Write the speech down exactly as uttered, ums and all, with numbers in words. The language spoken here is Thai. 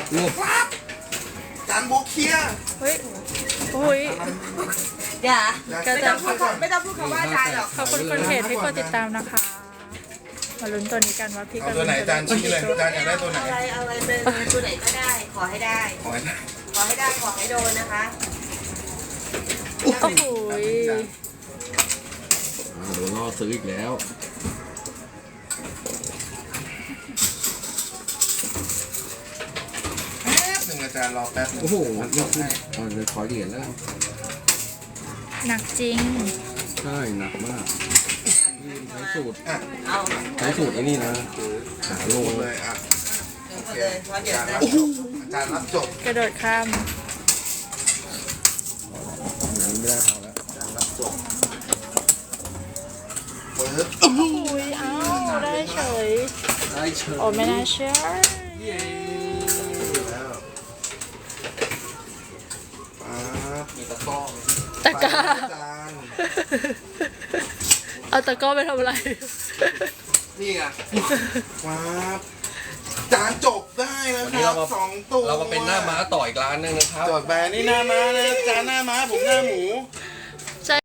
งบจานโบเคียเฮ้ยอุ้ยอย่าก็ไม่จะต้องพูดคำไม่ต้องพูดคำว่าอาจารย์หรอกขอบคุณคนเพจที่กดติดตามนะคะ มาลุ้นตัวนี้กันว่าพี่เอากตัวไหนจานชี้เลยจานอยากได้ตัวไหนอะไรอะไรเป็นตัวไหนก็ได้ ขอให้ได้ขอให้ได้ขอให้ได้ขอให้โดนนะคะโอ้โหโดนล่อซื้ออีกแล้วแป๊บหนึ่งอาจารย์รอแป๊บหนึ่งโอ้โหมันจนี่บคือให้เอาเลยขอเหรียญแล้วหนักจริงใช่หนักมากใช้สูตรอ่ะเอาใช้สูตรไอ้นี่นะหาโลลงเลเลย ยอ่ะเอาเลยเพราะเดี๋ยวอาจารย์จะรับจบอาจารย์รับจบกระโดดข้ามอย่างนี้ไม่ได้พอแล้วอาจารย์รับจบปึ๊บอุ้ยเอ้าได้เฉยได้เชิญโอ้ไม่น่าเชื่อแล้วปั๊บมีตะกร้อตะกร้าอาจารย์เอาตะกร้อไปทำอะไรนี่ไงปั๊บจานจบได้แล้วครับสองตัวเรามาเป็นหน้าม้าต่ออีกร้านนึงนะครับจดแบรนด์นี่หน้าม้านะจานหน้าม้าผมหน้าหมู